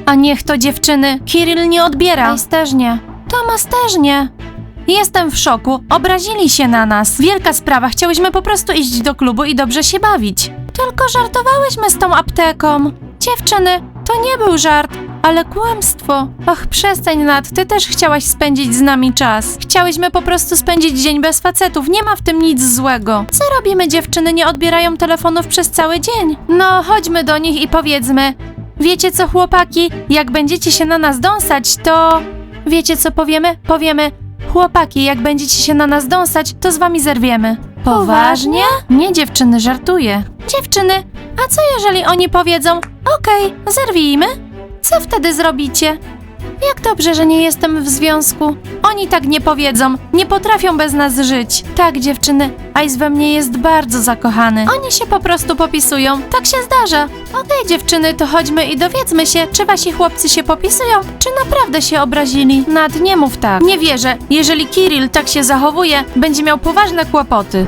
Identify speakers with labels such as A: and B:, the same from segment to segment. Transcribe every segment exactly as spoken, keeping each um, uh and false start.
A: A niech to dziewczyny. Kirill nie odbiera. Ice też nie. Tomas też nie. Jestem w szoku. Obrazili się na nas. Wielka sprawa. Chciałyśmy po prostu iść do klubu i dobrze się bawić. Tylko żartowałyśmy z tą apteką. Dziewczyny, to nie był żart, ale kłamstwo. Och, przestań, Nat, ty też chciałaś spędzić z nami czas. Chciałyśmy po prostu spędzić dzień bez facetów, nie ma w tym nic złego. Co robimy, dziewczyny nie odbierają telefonów przez cały dzień? No, chodźmy do nich i powiedzmy. Wiecie co, chłopaki, jak będziecie się na nas dąsać, to... Wiecie co powiemy? Powiemy, chłopaki, jak będziecie się na nas dąsać, to z wami zerwiemy. Poważnie? Nie, dziewczyny, żartuję. Dziewczyny, a co jeżeli oni powiedzą, okej, zerwijmy? Co wtedy zrobicie? Jak dobrze, że nie jestem w związku. Oni tak nie powiedzą, nie potrafią bez nas żyć. Tak, dziewczyny, Ice we mnie jest bardzo zakochany. Oni się po prostu popisują, tak się zdarza. Okej, dziewczyny, to chodźmy i dowiedzmy się, czy wasi chłopcy się popisują, czy naprawdę się obrazili. Nad, nie mów tak. Nie wierzę, jeżeli Kirill tak się zachowuje, będzie miał poważne kłopoty.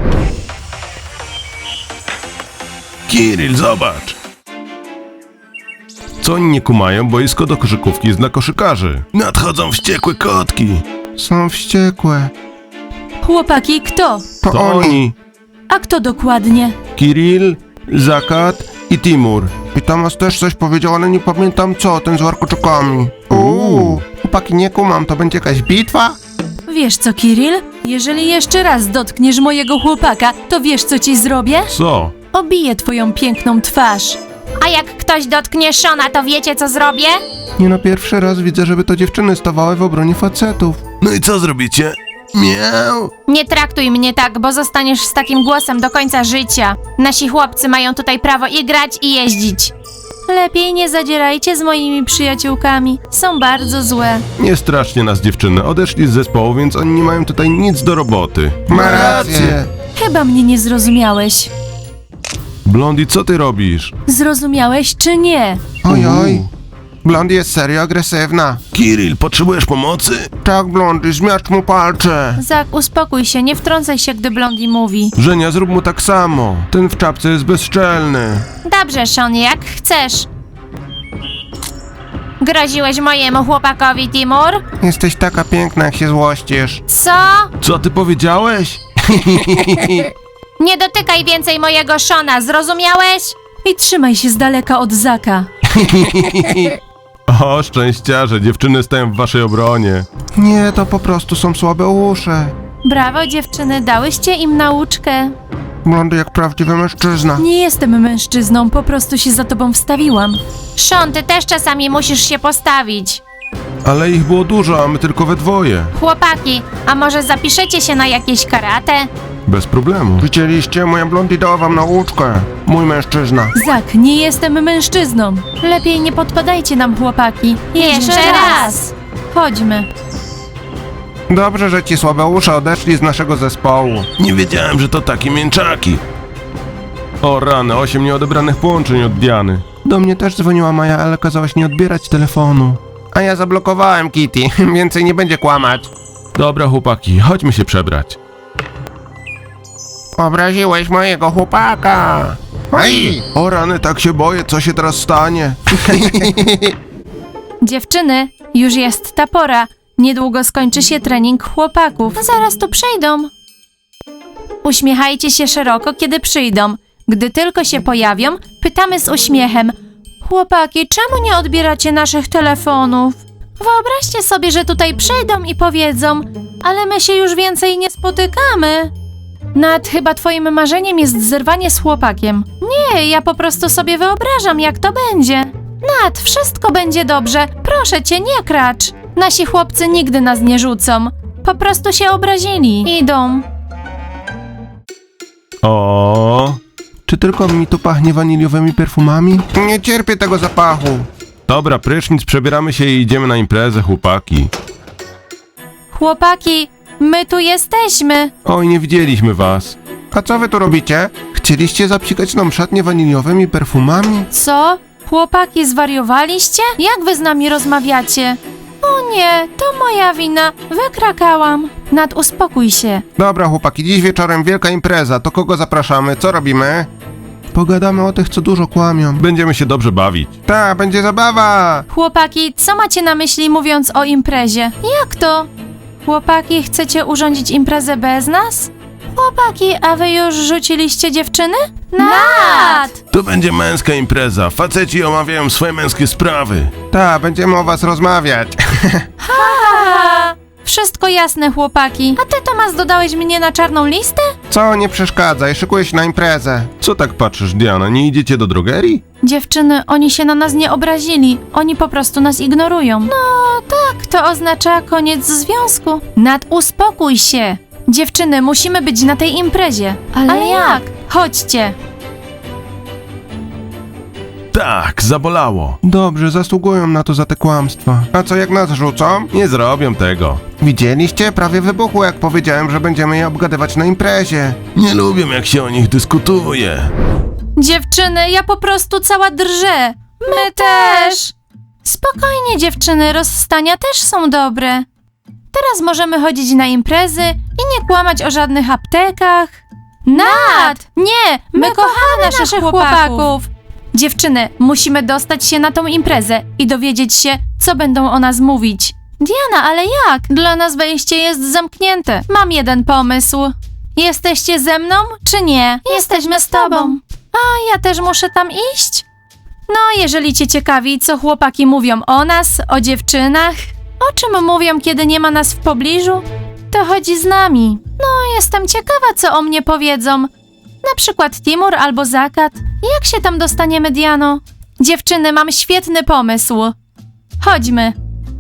B: Kirill, zobacz! Co oni nie kumają? Boisko do koszykówki jest dla koszykarzy. Nadchodzą wściekłe kotki.
C: Są wściekłe.
A: Chłopaki, kto?
C: To,
B: To
C: oni.
B: oni.
A: A kto dokładnie?
B: Kirill, Zakat i Timur.
C: I Tomas też coś powiedział, ale nie pamiętam co, ten z warkoczykami. Uuu, chłopaki, nie kumam, to będzie jakaś bitwa?
A: Wiesz co, Kirill? Jeżeli jeszcze raz dotkniesz mojego chłopaka, to wiesz co ci zrobię?
B: Co?
A: Obiję twoją piękną twarz. A jak ktoś dotknie Shona, to wiecie co zrobię?
C: Nie no, pierwszy raz widzę, żeby to dziewczyny stawały w obronie facetów.
B: No i co zrobicie? Miau!
A: Nie traktuj mnie tak, bo zostaniesz z takim głosem do końca życia. Nasi chłopcy mają tutaj prawo i grać, i jeździć. Lepiej nie zadzierajcie z moimi przyjaciółkami. Są bardzo złe.
B: Nie strasznie nas dziewczyny. Odeszli z zespołu, więc oni nie mają tutaj nic do roboty.
C: Ma rację.
A: Chyba mnie nie zrozumiałeś.
B: Blondie, co ty robisz?
A: Zrozumiałeś czy nie?
C: Oj, oj. Blondie jest serio agresywna.
B: Kirill, potrzebujesz pomocy?
C: Tak, Blondie, zmiażdż mu palce.
A: Zak, uspokój się, nie wtrącaj się, gdy Blondie mówi.
B: Żenia, zrób mu tak samo. Ten w czapce jest bezczelny.
A: Dobrze, Sean, jak chcesz. Groziłeś mojemu chłopakowi, Timur?
C: Jesteś taka piękna, jak się złościsz.
A: Co?
B: Co ty powiedziałeś?
A: Nie dotykaj więcej mojego Shona, zrozumiałeś? I trzymaj się z daleka od Zaka.
B: O, szczęściarze, dziewczyny stoją w waszej obronie.
C: Nie, to po prostu są słabe uszy.
A: Brawo, dziewczyny, dałyście im nauczkę.
C: Blondie jak prawdziwy mężczyzna.
A: Nie jestem mężczyzną, po prostu się za tobą wstawiłam. Sean, ty też czasami musisz się postawić.
B: Ale ich było dużo, a my tylko we dwoje.
A: Chłopaki, a może zapiszecie się na jakieś karate?
B: Bez problemu.
C: Widzieliście? Moja Blondie dała wam nauczkę. Mój mężczyzna.
A: Zak, nie jestem mężczyzną. Lepiej nie podpadajcie nam, chłopaki. Jeszcze raz. Chodźmy.
C: Dobrze, że ci słabe uszy odeszli z naszego zespołu.
B: Nie wiedziałem, że to takie mięczaki. O rany, osiem nieodebranych połączeń od Diany.
C: Do mnie też dzwoniła Maja, ale kazałaś nie odbierać telefonu. A ja zablokowałem Kitty, więcej nie będzie kłamać.
B: Dobra chłopaki, chodźmy się przebrać.
C: Obraziłeś mojego chłopaka. Oj!
B: O rany, tak się boję, co się teraz stanie?
A: Dziewczyny, już jest ta pora. Niedługo skończy się trening chłopaków. Zaraz tu przyjdą. Uśmiechajcie się szeroko, kiedy przyjdą. Gdy tylko się pojawią, pytamy z uśmiechem. Chłopaki, czemu nie odbieracie naszych telefonów? Wyobraźcie sobie, że tutaj przyjdą i powiedzą, ale my się już więcej nie spotykamy. Nat, chyba twoim marzeniem jest zerwanie z chłopakiem. Nie, ja po prostu sobie wyobrażam, jak to będzie. Nat, wszystko będzie dobrze. Proszę cię, nie kracz. Nasi chłopcy nigdy nas nie rzucą. Po prostu się obrazili. Idą.
B: O,
C: Czy tylko mi tu pachnie waniliowymi perfumami? Nie cierpię tego zapachu.
B: dobra, prysznic, przebieramy się i idziemy na imprezę, chłopaki.
A: Chłopaki, my tu jesteśmy.
B: Oj, nie widzieliśmy was.
C: A co wy tu robicie? Chcieliście zapsikać nam szatnie waniliowymi perfumami?
A: Co? Chłopaki, zwariowaliście? Jak wy z nami rozmawiacie? O nie, to moja wina. Wykrakałam. Nat, uspokój się.
C: Dobra chłopaki, dziś wieczorem wielka impreza, to kogo zapraszamy? Co robimy? Pogadamy o tych, co dużo kłamią.
B: Będziemy się dobrze bawić.
C: Ta, będzie zabawa!
A: Chłopaki, co macie na myśli mówiąc o imprezie? Jak to? Chłopaki, chcecie urządzić imprezę bez nas? Chłopaki, a wy już rzuciliście dziewczyny? Nat!
B: To będzie męska impreza. Faceci omawiają swoje męskie sprawy.
C: Ta, będziemy o was rozmawiać.
A: Haha! Wszystko jasne, chłopaki. A ty, Tomas, dodałeś mnie na czarną listę?
C: Co, nie przeszkadzaj, szykuję się na imprezę.
B: Co tak patrzysz, Diana? Nie idziecie do drogerii?
A: Dziewczyny, oni się na nas nie obrazili. Oni po prostu nas ignorują. No tak, to oznacza koniec związku. Nat, uspokój się. Dziewczyny, musimy być na tej imprezie. Ale,
D: Ale jak?
A: Chodźcie.
B: Tak, zabolało.
C: Dobrze, zasługują na to za te kłamstwa. A co, jak nas rzucą?
B: Nie zrobią tego.
C: Widzieliście? Prawie wybuchło, jak powiedziałem, że będziemy je obgadywać na imprezie.
B: Nie lubią, jak się o nich dyskutuje.
A: Dziewczyny, ja po prostu cała drżę. My też. Spokojnie, dziewczyny, rozstania też są dobre. Teraz możemy chodzić na imprezy i nie kłamać o żadnych aptekach. Nat! Nie, my, my kochamy naszych chłopaków. Dziewczyny, musimy dostać się na tą imprezę i dowiedzieć się, co będą o nas mówić. Diana, ale jak? Dla nas wejście jest zamknięte. Mam jeden pomysł. Jesteście ze mną, czy nie? Jesteśmy z tobą. A ja też muszę tam iść? No, jeżeli cię ciekawi, co chłopaki mówią o nas, o dziewczynach, o czym mówią, kiedy nie ma nas w pobliżu, to chodzi z nami. No, jestem ciekawa, co o mnie powiedzą. Na przykład Timur albo Zakat. Jak się tam dostaniemy, Diano? Dziewczyny, mam świetny pomysł. Chodźmy.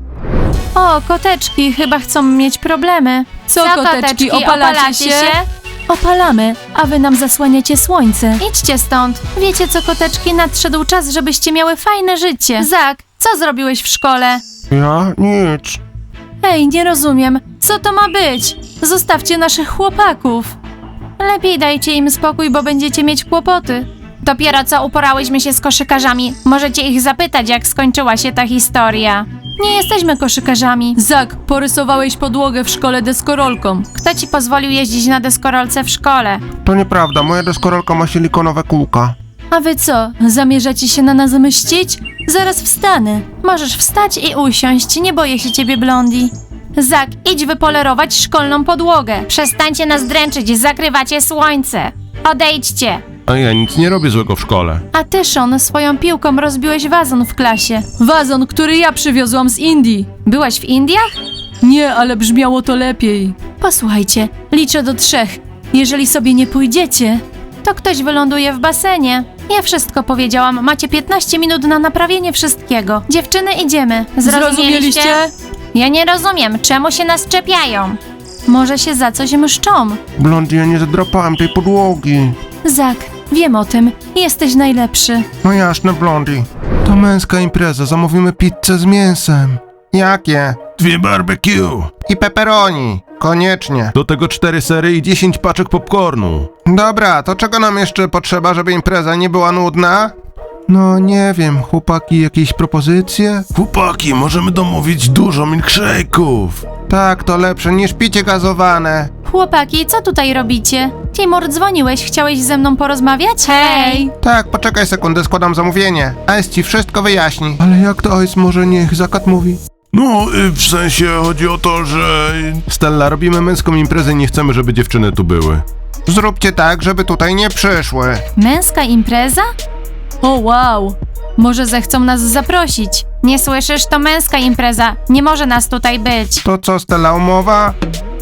A: O, koteczki chyba chcą mieć problemy.
D: Co, koteczki, opalacie się?
A: Opalamy, a wy nam zasłaniacie słońce. Idźcie stąd. Wiecie co, koteczki, nadszedł czas, żebyście miały fajne życie. Zak, co zrobiłeś w szkole?
C: Ja? Nic.
A: Ej, nie rozumiem. Co to ma być? Zostawcie naszych chłopaków. Lepiej dajcie im spokój, bo będziecie mieć kłopoty. Dopiero co uporałyśmy się z koszykarzami. Możecie ich zapytać, jak skończyła się ta historia. Nie jesteśmy koszykarzami.
D: Zak, porysowałeś podłogę w szkole deskorolką.
A: Kto ci pozwolił jeździć na deskorolce w szkole?
C: To nieprawda, moja deskorolka ma silikonowe kółka.
A: A wy co, zamierzacie się na nas mścić? Zaraz wstanę. Możesz wstać i usiąść, nie boję się ciebie, Blondi. Zak, idź wypolerować szkolną podłogę. Przestańcie nas dręczyć, zakrywacie słońce. Odejdźcie.
B: A ja nic nie robię złego w szkole.
A: A ty, Sean, swoją piłką rozbiłeś wazon w klasie.
D: Wazon, który ja przywiozłam z Indii.
A: Byłaś w Indiach?
D: Nie, ale brzmiało to lepiej.
A: Posłuchajcie, liczę do trzech. Jeżeli sobie nie pójdziecie, to ktoś wyląduje w basenie. Ja wszystko powiedziałam, macie piętnaście minut na naprawienie wszystkiego. Dziewczyny, idziemy.
D: Zrozumieliście?
A: Ja nie rozumiem, czemu się nas czepiają. Może się za coś mszczą.
C: Blondie, ja nie zadrapałem tej podłogi.
A: Zak, wiem o tym. Jesteś najlepszy.
C: No jasne, Blondie. To męska impreza, zamówimy pizzę z mięsem. Jakie?
B: Dwie barbecue.
C: I pepperoni. Koniecznie.
B: Do tego cztery sery i dziesięć paczek popcornu.
C: Dobra, to czego nam jeszcze potrzeba, żeby impreza nie była nudna? No nie wiem, chłopaki, jakieś propozycje?
B: Chłopaki, możemy domówić dużo milkshake'ów.
C: Tak, to lepsze niż picie gazowane.
A: Chłopaki, co tutaj robicie? Timur, dzwoniłeś, chciałeś ze mną porozmawiać? Hej!
C: Tak, poczekaj sekundę, składam zamówienie. Ice ci wszystko wyjaśni. Ale jak to Ice może niech Zakat mówi?
B: No, y, w sensie chodzi o to, że... Stella, robimy męską imprezę i nie chcemy, żeby dziewczyny tu były.
C: Zróbcie tak, żeby tutaj nie przyszły.
A: Męska impreza?
D: O wow.
A: Może zechcą nas zaprosić. Nie słyszysz? To męska impreza. Nie może nas tutaj być.
C: To co, Stella, umowa?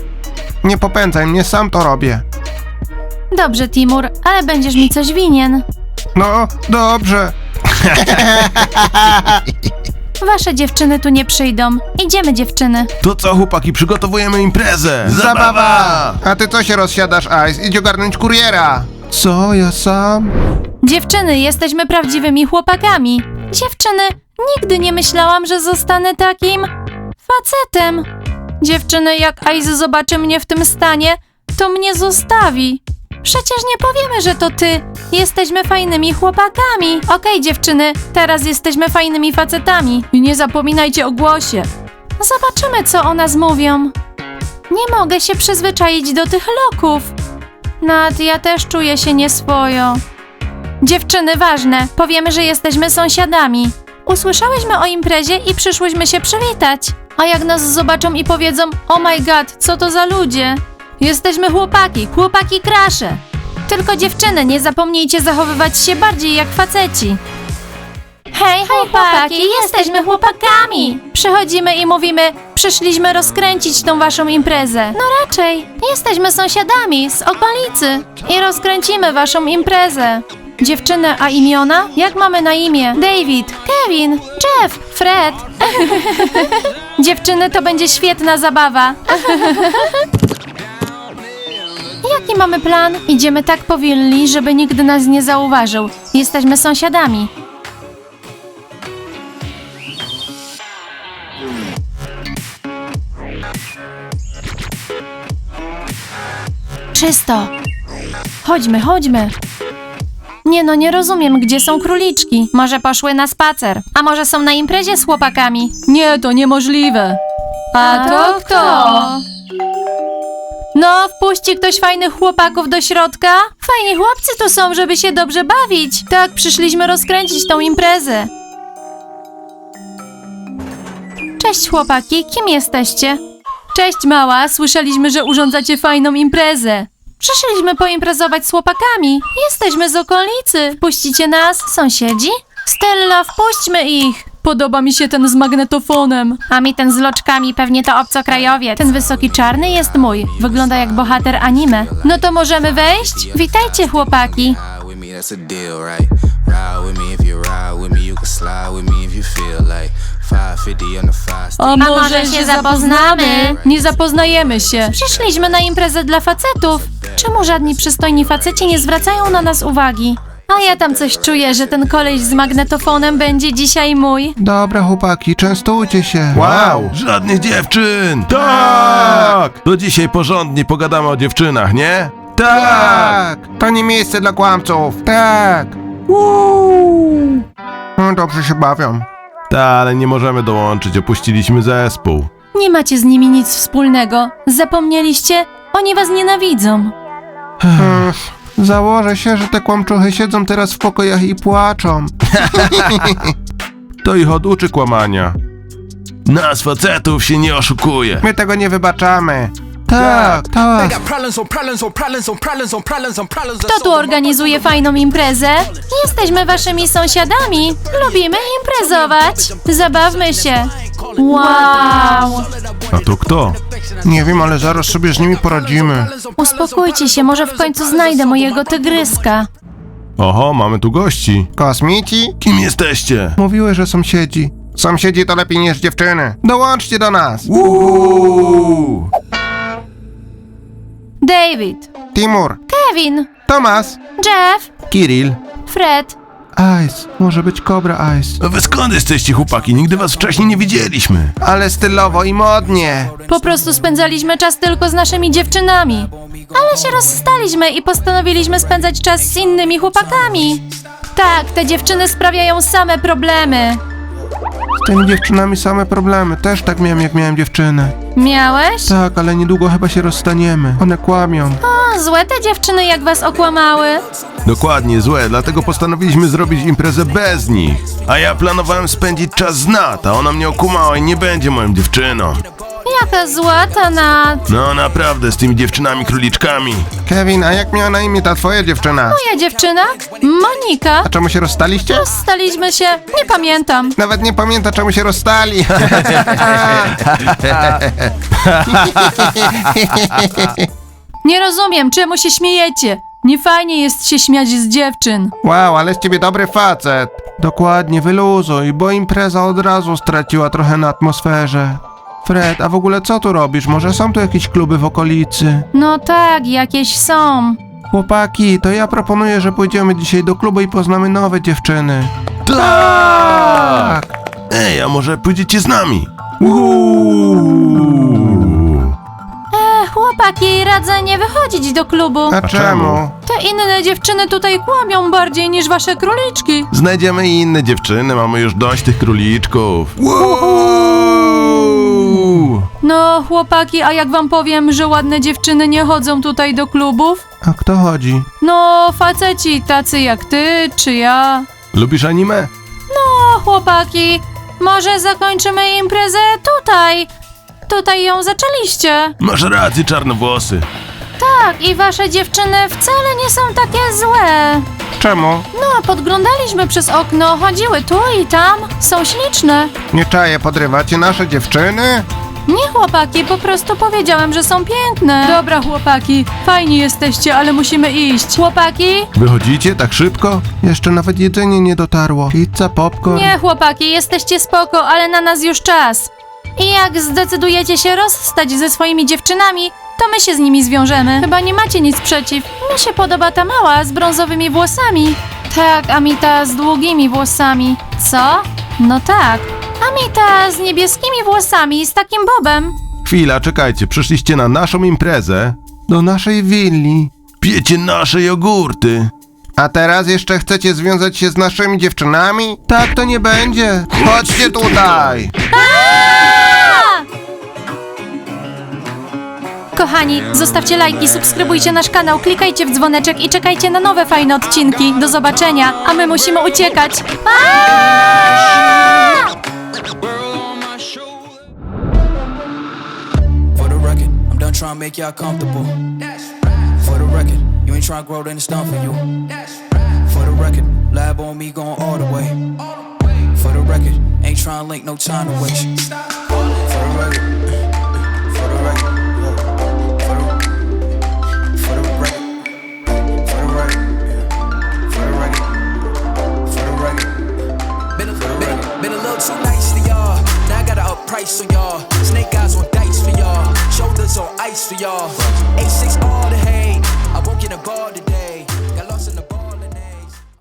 C: Nie popędzaj mnie, sam to robię.
A: Dobrze, Timur, ale będziesz mi coś winien.
C: No, dobrze.
A: Wasze dziewczyny tu nie przyjdą. Idziemy, dziewczyny.
B: To co, chłopaki, przygotowujemy imprezę.
C: A ty co się rozsiadasz, Ice? Idź ogarnąć kuriera. Co, ja sam?
A: Dziewczyny, jesteśmy prawdziwymi chłopakami. Dziewczyny, nigdy nie myślałam, że zostanę takim facetem. Dziewczyny, jak Ice zobaczy mnie w tym stanie, to mnie zostawi. Przecież nie powiemy, że to ty. Jesteśmy fajnymi chłopakami. Okej, dziewczyny, teraz jesteśmy fajnymi facetami.
D: I nie zapominajcie o głosie.
A: Zobaczymy, co o nas mówią. Nie mogę się przyzwyczaić do tych loków. Nad, ja też czuję się nieswojo. Dziewczyny, ważne. Powiemy, że jesteśmy sąsiadami. Usłyszałyśmy o imprezie i przyszłyśmy się przywitać. A jak nas zobaczą i powiedzą, oh my god, co to za ludzie? Jesteśmy chłopaki, chłopaki krasze. Tylko dziewczyny, nie zapomnijcie zachowywać się bardziej jak faceci. Hej chłopaki, jesteśmy chłopakami. Przychodzimy i mówimy, przyszliśmy rozkręcić tą waszą imprezę. No raczej, jesteśmy sąsiadami z okolicy i rozkręcimy waszą imprezę. Dziewczyny, a imiona? Jak mamy na imię? David, Kevin, Jeff, Fred. Dziewczyny, to będzie świetna zabawa. Jaki mamy plan? Idziemy tak powolni, żeby nikt nas nie zauważył. Jesteśmy sąsiadami. Czysto. Chodźmy, chodźmy. Nie no, nie rozumiem, gdzie są króliczki. Może poszły na spacer, a może są na imprezie z chłopakami.
D: Nie, to niemożliwe. A to kto?
A: No, wpuści ktoś fajnych chłopaków do środka? Fajni chłopcy tu są, żeby się dobrze bawić. Tak, przyszliśmy rozkręcić tą imprezę. Cześć chłopaki, kim jesteście?
D: Cześć mała, słyszeliśmy, że urządzacie fajną imprezę.
A: Przyszliśmy poimprezować z chłopakami. Jesteśmy z okolicy. Wpuścicie nas, sąsiedzi? Stella, wpuśćmy ich.
D: Podoba mi się ten z magnetofonem.
A: A mi ten z loczkami, pewnie to obcokrajowiec. Ten wysoki czarny jest mój. Wygląda jak bohater anime. No to możemy wejść? Witajcie chłopaki.
E: Ride with me, that's a deal, right? Ride with me if you ride with me, you can slide with me if you feel like five fifty on the five stick.
D: A
A: może się zapoznamy?
D: Nie zapoznajemy się.
A: Przyszliśmy na imprezę dla facetów. Czemu żadni przystojni faceci nie zwracają na nas uwagi? A ja tam coś czuję, że ten koleś z magnetofonem będzie dzisiaj mój.
C: Dobra, chłopaki, częstujcie się.
B: Wow, żadnych dziewczyn! Tak! To dzisiaj porządnie pogadamy o dziewczynach, nie? Tak!
C: To nie miejsce dla kłamców. Tak. Uuu. No, dobrze się bawią.
B: Ta, ale nie możemy dołączyć, opuściliśmy zespół.
A: Nie macie z nimi nic wspólnego. Zapomnieliście? Oni was nienawidzą.
C: Ech, założę się, że te kłamczuchy siedzą teraz w pokojach i płaczą.
B: To ich oduczy kłamania. Nas facetów się nie oszukuje.
C: My tego nie wybaczamy. Tak, tak.
A: Kto tu organizuje fajną imprezę? Jesteśmy waszymi sąsiadami. Lubimy imprezować. Zabawmy się. Wow.
B: A to kto?
C: Nie wiem, ale zaraz sobie z nimi poradzimy.
A: Uspokójcie się, może w końcu znajdę mojego tygryska.
B: Oho, mamy tu gości.
C: Kosmici?
B: Kim jesteście?
C: Mówiły, że sąsiedzi. Sąsiedzi to lepiej niż dziewczyny. Dołączcie do nas.
B: Uuu.
A: David,
C: Timur,
A: Kevin,
C: Tomas,
A: Jeff,
C: Kiril,
A: Fred.
C: Ice. Może być Cobra Ice.
B: A wy skąd jesteście, chłopaki? Nigdy was wcześniej nie widzieliśmy.
C: Ale stylowo i modnie.
A: Po prostu spędzaliśmy czas tylko z naszymi dziewczynami. Ale się rozstaliśmy i postanowiliśmy spędzać czas z innymi chłopakami. Tak, te dziewczyny sprawiają same problemy.
C: Z tymi dziewczynami same problemy. Też tak miałem, jak miałem dziewczynę.
A: Miałeś?
C: Tak, ale niedługo chyba się rozstaniemy. One kłamią.
A: O, złe te dziewczyny jak was okłamały.
B: Dokładnie, złe, dlatego postanowiliśmy zrobić imprezę bez nich. A ja planowałem spędzić czas z Nat, a ona mnie okumała i nie będzie moją dziewczyną.
A: Jaka zła ta Nat.
B: No naprawdę, z tymi dziewczynami króliczkami.
C: Kevin, a jak miała na imię ta twoja dziewczyna?
A: Moja dziewczyna? Monika.
C: A czemu się rozstaliście?
A: Rozstaliśmy się, nie pamiętam.
C: Nawet nie pamięta, czemu się rozstali.
D: Nie rozumiem, czemu się śmiejecie. Nie jest się śmiać z dziewczyn.
C: Wow, ale z ciebie dobry facet. Dokładnie, wyluzuj, bo impreza od razu straciła trochę na atmosferze. Fred, a w ogóle co tu robisz? Może są tu jakieś kluby w okolicy?
A: No tak, jakieś są.
C: Chłopaki, to ja proponuję, że pójdziemy dzisiaj do klubu i poznamy nowe dziewczyny.
B: Tak! Ej, a może pójdziecie z nami? Uuu.
A: E, chłopaki, radzę nie wychodzić do klubu.
C: A czemu?
A: Te inne dziewczyny tutaj kłamią bardziej niż wasze króliczki.
B: Znajdziemy i inne dziewczyny, mamy już dość tych króliczków. Uuu. klubu.
D: No, chłopaki, a jak wam powiem, że ładne dziewczyny nie chodzą tutaj do klubów?
C: A kto chodzi?
D: No, faceci tacy jak ty, czy ja.
B: Lubisz anime?
A: O, chłopaki, może zakończymy imprezę tutaj. Tutaj ją zaczęliście.
B: Masz rację, czarnowłosy.
A: Tak, i wasze dziewczyny wcale nie są takie złe.
C: Czemu?
A: No, podglądaliśmy przez okno, chodziły tu i tam. Są śliczne.
C: Nie czaję, podrywacie nasze dziewczyny?
A: Nie, chłopaki, po prostu powiedziałem, że są piękne.
D: Dobra, chłopaki, fajni jesteście, ale musimy iść.
A: Chłopaki?
B: Wychodzicie tak szybko?
C: Jeszcze nawet jedzenie nie dotarło. Pizza, popcorn.
A: Nie, chłopaki, jesteście spoko, ale na nas już czas. I jak zdecydujecie się rozstać ze swoimi dziewczynami, to my się z nimi zwiążemy. Chyba nie macie nic przeciw. Mi się podoba ta mała z brązowymi włosami. Tak, Amita z długimi włosami. Co? No tak. Amita z niebieskimi włosami, z takim bobem.
B: Chwila, czekajcie, przyszliście na naszą imprezę.
C: Do naszej willi.
B: Pijecie nasze jogurty.
C: A teraz jeszcze chcecie związać się z naszymi dziewczynami? Tak to nie będzie. Chodźcie tutaj.
A: Kochani, zostawcie lajki, subskrybujcie nasz kanał, klikajcie w dzwoneczek i czekajcie na nowe fajne odcinki. Do zobaczenia, a my musimy uciekać.
E: For the record, I'm done trying to make y'all comfortable. For the record, you ain't trying to grow, then it's done for you. For the record, lab on me going all the way. For the record, ain't trying to link, no time to waste.